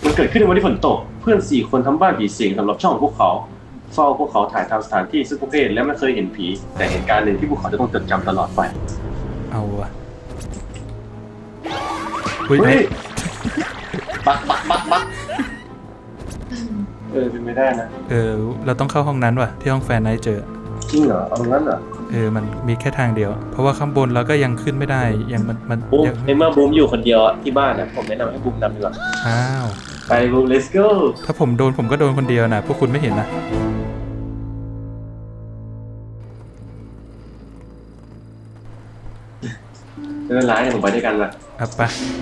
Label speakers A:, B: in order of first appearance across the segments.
A: มันเกิดขึ้นในวันที่ฝนตกเพื่อน4 คนทำบ้านผีสิงสำหรับช่องของพวกเขาเฝ้าพวกเขาถ่ายทำสถานที่ซึ่งพวกเขาเห็นและไม่เคยเห็นผีแต่เหตุการณ์หนึ่งที่พวกเขาจะต้องจดจำตลอดไป
B: เอาวะเฮ้ย
A: บักเป็นไม่ได้นะ
B: เราต้องเข้าห้องนั้นว่ะที่ห้องแฟนไนท์เจอ
A: จริงเหรอเอางั้นเหรอ
B: มันมีแค่ทางเดียวเพราะว่าข้างบนเราก็ยังขึ้นไม่ได้ยังมัน
A: ยังในเมื่อบูมอยู่คนเดียวที่บ้านนะผมแนะนำให้บูมนำดีกว่า
B: อ้าว
A: ไปบูม let's go
B: ถ้าผมโดนผมก็โดนคนเดียวนะพวกคุณไม่เห็นนะ
A: ไม่เป็นไรเดี๋ยวผมไปด้วยกันนะ
B: ไป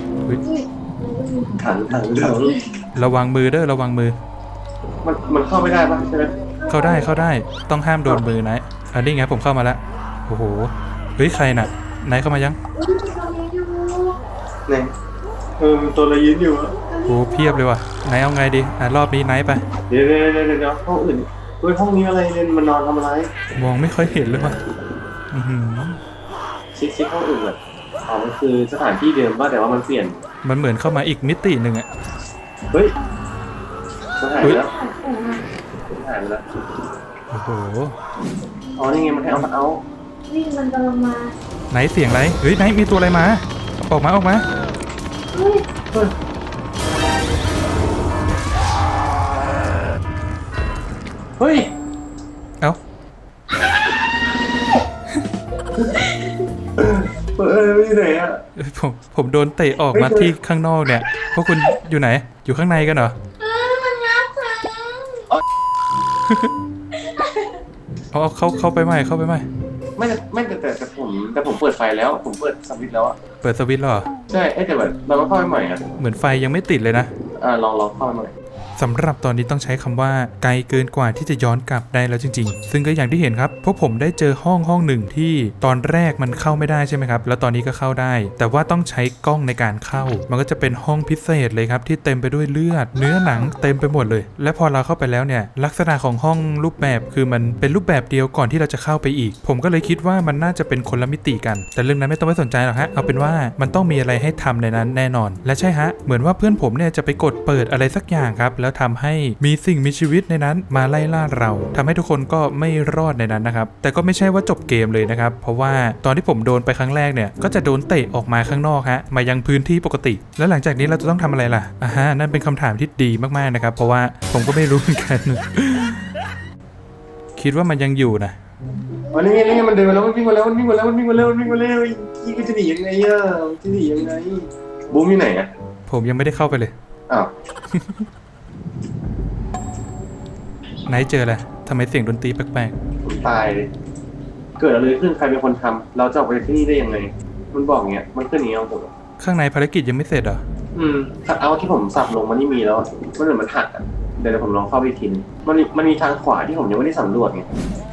A: ถัง
B: ระวังมือเด้อระวังมือ
A: มันเข้าไม่ได้ปะใช่ไหม
B: เข้าได้ต้องห้ามโดนมือนะอันนี้ไงผมเข้ามาแล้วโอ้โหเฮ้ยใครน่ะไหนเข้ามายัง
A: ไหนตัวอะไรยืนอยู่
B: โอ้เพียบเลยว่ะไหนเอาไงดีรอบนี้ไหนไป
A: เดี๋ยวห้องอื่นห้องนี้อะไรเนี่ยมันนอนทำอะไร
B: มองไม่ค่อยเห็นเลยว่ะ
A: เช็คห้องอื่นแบบมันคือสถานที่เดิมป่ะแต่ว่ามันเปลี่ยน
B: มันเหมือนเข้ามาอีกมิติหนึ่งอ่ะ
A: เฮ้ยหายไปแล้ว
B: โอ้โห
A: นี่ไงมันให้เอา
C: วิ่งมันกำลังมา
B: ไหนเสียงอะไรเฮ้ยไหนมีตัวอะไรมาออกมา
A: เฮ้ย
B: เอ้า
A: ไม่ไหนอ่ะ
B: ผมโดนเตะออกมาที่ข้างนอกเนี่ยพวกคุณอยู่ไหนอยู่ข้างในกันเหรอ
C: มันงับฉัน
B: เข้าไปไหม
A: ไม่แต่ผมเปิดไฟแล้วผมเปิดสวิตช์แล้วอ่ะ
B: เปิดสวิตช์เหรอ
A: ใช่แต่แบบเราก็เข้าไปใหม่อ่ะ
B: เหมือนไฟยังไม่ติดเลยนะ
A: ลองเข้าไปใหม่
B: สำหรับตอนนี้ต้องใช้คำว่าไกลเกินกว่าที่จะย้อนกลับได้แล้วจริงๆซึ่งก็อย่างที่เห็นครับพวกผมได้เจอห้องหนึ่งที่ตอนแรกมันเข้าไม่ได้ใช่ไหมครับแล้วตอนนี้ก็เข้าได้แต่ว่าต้องใช้กล้องในการเข้ามันก็จะเป็นห้องพิเศษเลยครับที่เต็มไปด้วยเลือดเนื้อหนังเต็มไปหมดเลยและพอเราเข้าไปแล้วเนี่ยลักษณะของห้องรูปแบบคือมันเป็นรูปแบบเดียวก่อนที่เราจะเข้าไปอีกผมก็เลยคิดว่ามันน่าจะเป็นคนละมิติกันแต่เรื่องนั้นไม่ต้องไปสนใจหรอกฮะเอาเป็นว่ามันต้องมีอะไรให้ทำในนั้นแน่นอนและใช่ฮะเหมือนว่าเพื่อนผมเนี่ยจะไปกดเปิดอะไรสักอย่างครับแล้วทำให้มีสิ่งมีชีวิตในนั้นมาไล่ล่าเราทำให้ทุกคนก็ไม่รอดในนั้นนะครับแต่ก็ไม่ใช่ว่าจบเกมเลยนะครับเพราะว่าตอนที่ผมโดนไปครั้งแรกเนี่ยก็จะโดนเตะออกมาข้างนอกฮะมายังพื้นที่ปกติแล้วหลังจากนี้เราจะต้องทำอะไรล่ะนั่นเป็นคำถามที่ดีมากๆนะครับเพราะว่าผมก็ไม่รู้เหมือนกัน คิดว่ามันยังอยู่นะ
A: นี่มันเดินมาแล้วมันวิ่งมาแล้วยี่ก็จะหนียังไงจะหนียังไงบูมอยู่ไหนอ่ะ
B: ผมยังไม่ได้เข้าไปเลยไหนเจออะไรทำไมเสียงดนตรีแปลก
A: ๆตายเลยเกิดอะไรขึ้นใครเป็นคนทำเราจะออกไปที่นี่ได้ยังไงมันบอกเงี้ยมันขึ้นอย่างเงี้ยผม
B: ข้างในภารกิจยังไม่เสร็จเหรอ
A: คัทเอาที่ผมสับลงมันนี่มีแล้วมันเหมือนมันหักอ่ะเดี๋ยวผมลองเข้าไปทีนึงมันมีทางขวาที่ผมยังไม่ได้สำรวจไง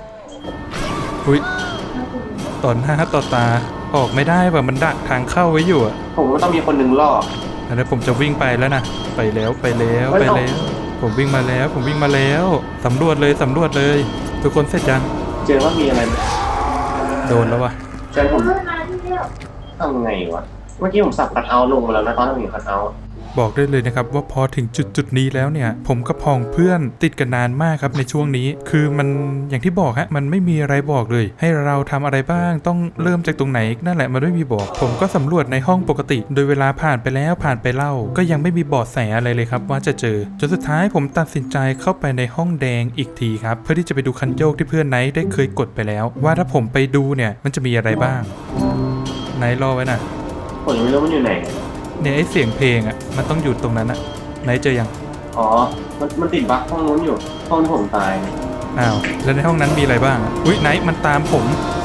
B: ต่อหน้าต่อตาออกไม่ได้แบบมันดักทางเข้าไว้อยู่อ่ะ
A: ผมว่าต้องมีคนหนึ่งล่อ
B: แล้วผมจะวิ่งไปแล้วนะไปแล้วผมวิ่งมาแล้วสำรวจเลยทุกคนเสร็จยัง
A: เจอว่ามีอะไรไหม
B: โดนแล้ววะ
A: ใช่ผมทำไงวะเมื่อกี้ผมสับคัทเอาลงมาแล้วนะตอนนั้นผมคัทเอา
B: บอกได้เลยนะครับว่าพอถึงจุดนี้แล้วเนี่ยผมกับพ้องเพื่อนติดกันนานมากครับในช่วงนี้คือมันอย่างที่บอกฮะมันไม่มีอะไรบอกเลยให้เราทำอะไรบ้างต้องเริ่มจากตรงไหนนั่นแหละมันไม่มีบอกผมก็สำรวจในห้องปกติโดยเวลาผ่านไปแล้วผ่านไปเล่าก็ยังไม่มีเบาะแสอะไรเลยครับว่าจะเจอจนสุดท้ายผมตัดสินใจเข้าไปในห้องแดงอีกทีครับเพื่อที่จะไปดูคันโยกที่เพื่อนไนท์ได้เคยกดไปแล้วว่าถ้าผมไปดูเนี่ยมันจะมีอะไรบ้างไนท์รอไว้นะ
A: ผมยังไม่รู้มันอยู่ไหน
B: เนี่ยไอเสียงเพลงอ่ะมันต้องอยู่ตรงนั้นอ่ะไหนเจอยัง
A: มันติดบั๊กห้องนู้นอยู่ห้องที่ผมตาย
B: อ้าวแล้วในห้องนั้นมีอะไรบ้างอุ๊ยไหนมันตามผม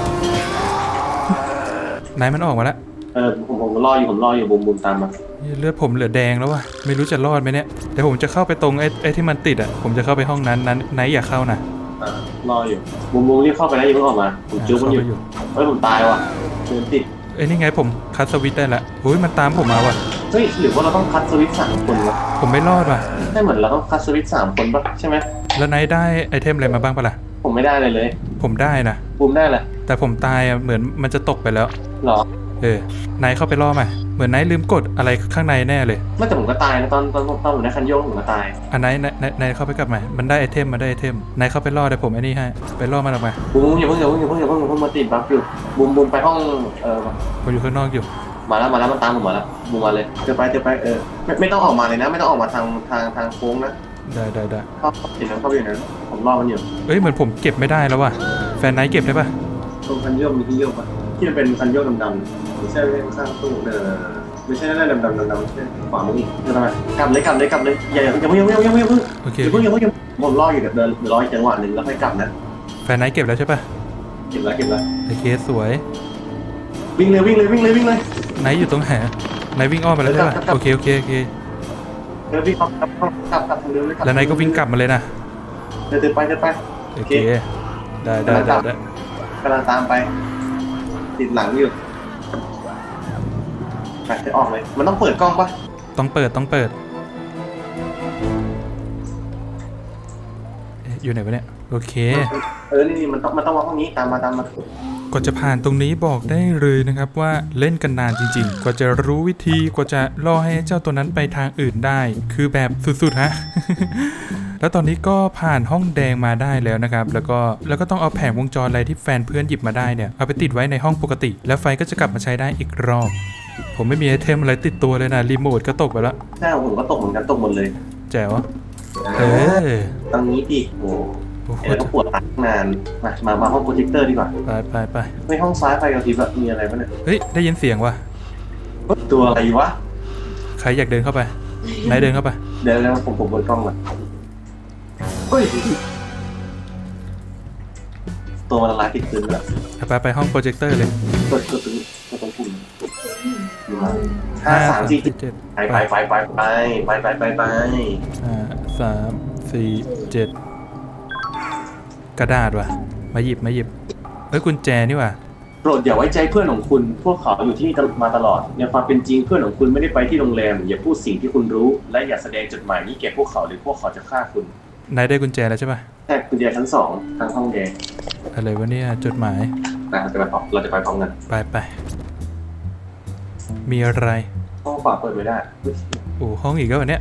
B: ไหนมันออกมาแล้ว
A: ผมรออยู่บุมตามมา
B: เลือดผมเหลือแดงแล้วว่ะไม่รู้จะรอดไหมเนี่ยเดี๋ยวผมจะเข้าไปตรงไอ้ที่มันติดอ่ะผมจะเข้าไปห้องนั้นไหนอย่าเข้านะ
A: รออยู่บุมรีบเข้าไปแล้วอย่าเพิ่งออกมาผมจุ๊บมันอยู่ผมตายว่ะเดินติด
B: นี่ไงผมคัดสวิตช์ได้ละมันตามผมมาว่ะ
A: เฮ้ยหรือว่าเราต้องคัดสวิตช์3 คนวะ
B: ผมไม่รอดว่ะ
A: ใช่เหมือนเราต้องคัดสวิตช์3 คนป่ะใช่ไหม
B: แล้วไนท์ได้ไอเทมอะไรมาบ้างปะล่ะ
A: ผมไม่ได้เลย
B: ผมได้นะ
A: บูมได้แหละ
B: แต่ผมตายอ่ะเหมือนมันจะตกไปแล้ว
A: หรอ
B: นายเข้าไปล่อมาเหมือนนายลืมกดอะไรข้างในแน่เลย
A: ไม่แต่ผมก็ตายนะตอนผมได้คันโยกผมก็ตาย
B: นายเข้าไปกลับมามันได้ไอเทมนายเข้าไปล่อเดี๋ยวผมไอ้นี่ให้ไปล่อมันออกมา
A: บูมอย่าเพิ่งมาติดบัฟอยู่บูมไปห้อง
B: ผมอยู่ข้างนอกอยู่
A: มาแล้วมันตามผมมาแล้วบูมมาเลยเจอไปไม่ต้องออกมาเลยนะไม่ต้องออกมาทางโค้งนะ
B: ได้
A: เข้าอยู่นั้นผมรอมันอยู่
B: เหมือนผมเก็บไม่ได้แล้วว่ะแฟนนายเก็บได้ปะ
A: ตรงคันโยกมีที่โยกปะที่มันเป็นคันโยกดำๆไม่ใช่ข้างตู้ไม่ใช่นั่นดำไม่ใช่ขวามืออีกทำไมกลับเลยอย่าเพิ่ง
B: โอเค
A: อย่าเพิ่งผมรออยู่เดี๋ยวรออีกจังหวะหนึ่งแล้วค่อยกลับนะ
B: แฟนนายเก็บแล้วใช่ปะ
A: เก็บแล้ว
B: โอเคสวย
A: วิ่งเลย
B: นายอยู่ตรงไหนนายวิ่งอ้อมไปแล้วใช่ปะโอเค
A: วิ่งกลับทางเดิมเลย
B: แล้วนายก็วิ่งกลับมาเลยนะ
A: เดินไป
B: โอเคได้
A: กำลังตามไปติดหลังอยู่ไปจะออกเลยมันต้องเปิดกล้องปะ
B: ต้องเปิดอยู่ไหนวะเนี่ยโอเค
A: นี่มันต้องว่าห้องนี้ตามมา
B: กว่าจะผ่านตรงนี้บอกได้เลยนะครับว่าเล่นกันนานจริงๆกว่าจะรู้วิธีกว่าจะล่อให้เจ้าตัวนั้นไปทางอื่นได้คือแบบสุดๆฮะ แล้วตอนนี้ก็ผ่านห้องแดงมาได้แล้วนะครับแล้วก็ต้องเอาแผงวงจรอะไรที่แฟนเพื่อนหยิบมาได้เนี่ยเอาไปติดไว้ในห้องปกติแล้วไฟก็จะกลับมาใช้ได้อีกรอบผมไม่มีไอเทมอะไรติดตัวเลยนะรีโมทก็ตกไปแล้ว
A: ใช่ผมก็ตกเหมือนกันตกหมดเลย
B: แจ๋ว
A: ตรงนี้ดิโอ้ต้องปวดตานานมาห้องโปรเจคเตอร์ดีกว่า
B: ไป
A: ในห้องซ้ายไฟกระพริบมีอะไรบ้างเนี่ย
B: เฮ้ยได้ยินเสียงว่ะ
A: ตัวอะไรวะ
B: ใครอยากเดินเข้าไปนายเดินเข้าไป
A: เดินแล้วผมเปิดกล้องก่อนเฮ้ยตัวมันละลายติดพื้นแล้ว
B: ไปห้องโปรเจคเตอร์เลย
A: กดตรงปุ่ม5 3 4 7ไป5 4
B: 7กระดาษว่ะมาหยิบกุญแจนี่ว่ะ
A: โปรดอย่าไว้ใจเพื่อนของคุณพวกเขาอยู่ที่นี่มาตลอดในความเป็นจริงเพื่อนของคุณไม่ได้ไปที่โรงแรมอย่าพูดสิ่งที่คุณรู้และอย่าแสดงจดหมายนี้แก่พวกเขาหรือพวกเขาจะฆ่าคุณ
B: นายได้กุญแจแล้วใช่ป่ะ
A: ใช่กุญแจชั้น2ทางห้องแดง
B: อะไรวะเนี่ยจดหมาย
A: เราจะไปพร้อมกัน
B: ไปมีอะไร
A: ห้องขวาเปิดไม่ได้
B: โอ้ห้องอีกแล้ววันเนี้ย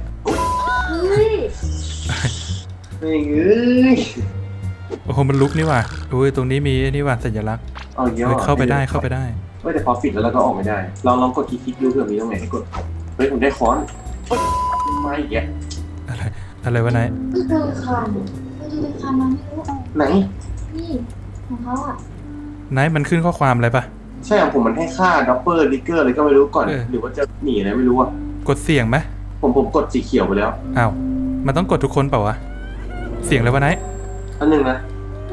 A: เฮ้ย
B: โอ้โหมันลุกนี่ว่ะโอ้ยตรงนี้มีนี่ว่ะสัญลักษณ์เข้าไปได้
A: ไม่แต่พอปิดแล้วก็ออกไม่ได้ลองกดคลิกดูเผื่อมีตรงไหนให้กดเฮ้ยผมได้ค้อนไม่แย่
B: อะไรวะนาย
C: คือเดินคันมันไม่รู้
A: ไหน
C: นี่ของเขาอ่ะ
B: นายมันขึ้นข้อความอะไรปะ
A: ใช่ของผมมันให้ค่าดับเบิลลิกเกอร์อะไรก็ไม่รู้ก่อนหรือว่าจะหนีอะไรไม่รู้อ่ะ
B: กดเสียงไหม
A: ผมกดสีเขียวไปแล้ว
B: อ้าวมันต้องกดทุกคนเปล่าวะเสียงอะไรวะนาย
A: อันหนึ่งนะ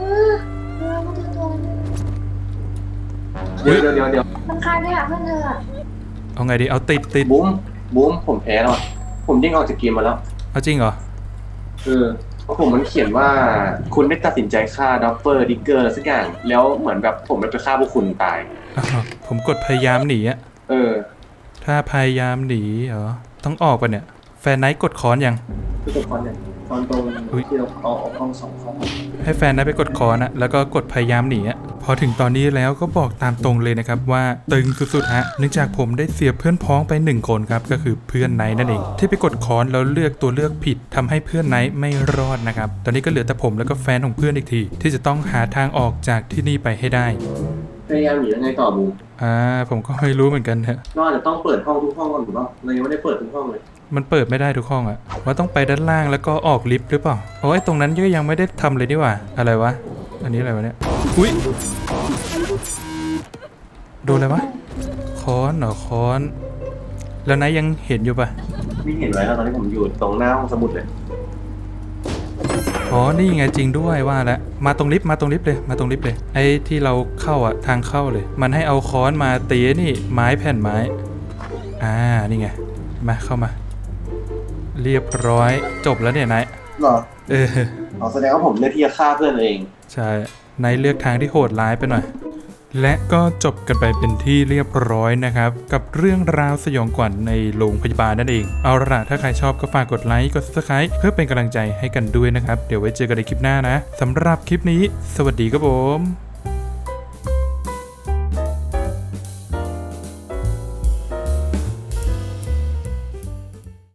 A: เดี๋ยว
C: มันคลายไม่อ่ะเพื่อนเธอ
B: เอาไงดีเอาติด
A: บูมผมแพ้แล้วผมยิ่งออกจากเกมมาแล้ว
B: เอาจริงเหรอ
A: ผมมันเขียนว่าคุณได้ตัดสินใจฆ่าดับเบิลดิกเกอร์สักอย่างแล้วเหมือนแบบผมไปฆ่าพวกคุณตาย
B: ผมกดพยายามหนีถ้าพยายามหนีเหรอต้องออกป่ะเนี่ยแฟนไนท์กดค้อนยัง
A: กดค้อนยังตอนตรงที่เราเอาห้อง2ห้อง
B: ให้แฟนได้ไปกดคอนะแล้วก็กดพยายามหนีพอถึงตอนนี้แล้วก็บอกตามตรงเลยนะครับว่าตึงสุดๆฮะเนื่องจากผมได้เสียเพื่อนพ้องไป1คนครับก็คือเพื่อนไนท์นั่นเองที่ไปกดคอนแล้วเลือกตัวเลือกผิดทำให้เพื่อนไนท์ไม่รอดนะครับตอนนี้ก็เหลือแต่ผมแล้วก็แฟนของเพื่อนอีกทีที่จะต้องหาทางออกจากที่นี่ไปให้ได้
A: พยายามหนียังไงต่อบู
B: ผมก็ไม่รู้เหมือนกันฮะ
A: ก็อาจจะต้องเปิดห้องทุกห้องก่อนหรือเปล่าเรายังไม่ได้เปิดทุกห้องเลย
B: มันเปิดไม่ได้ทุกห้องว่าต้องไปด้านล่างแล้วก็ออกลิฟต์หรือเปล่าโอ้ยตรงนั้นก็ยังไม่ได้ทำเลยนี่หว่าอะไรวะอันนี้อะไรวะเนี่ยอุ๊ยโดนอะไรวะค้อนเหรอค้อนแล้วนายยังเห็นอยู่ปะ
A: ไม่เห็นไว้แล้วตอนนี้ผมอยู่ตรงหน้าห้องสมุดเลย
B: นี่ไงจริงด้วยว่าแล้วมาตรงลิฟต์เลยไอ้ที่เราเข้าทางเข้าเลยมันให้เอาค้อนมาตีนี่ไม้แผ่นไม้นี่ไงมาเข้ามาเรียบร้อยจบแล้วเนี่ยนาย
A: หรอแสดงว่าผมเลือกที่จะฆ่าเพื่อนเอง
B: ใช่นายเลือกทางที่โหดร้ายไปหน่อยและก็จบกันไปเป็นที่เรียบร้อยนะครับกับเรื่องราวสยองขวัญในโรงพยาบาลนั่นเองเอาล่ะถ้าใครชอบก็ฝากกดไลค์กด Subscribe เพื่อเป็นกำลังใจให้กันด้วยนะครับเดี๋ยวไว้เจอกันในคลิปหน้านะสำหรับคลิปนี้สวัสดีครับผม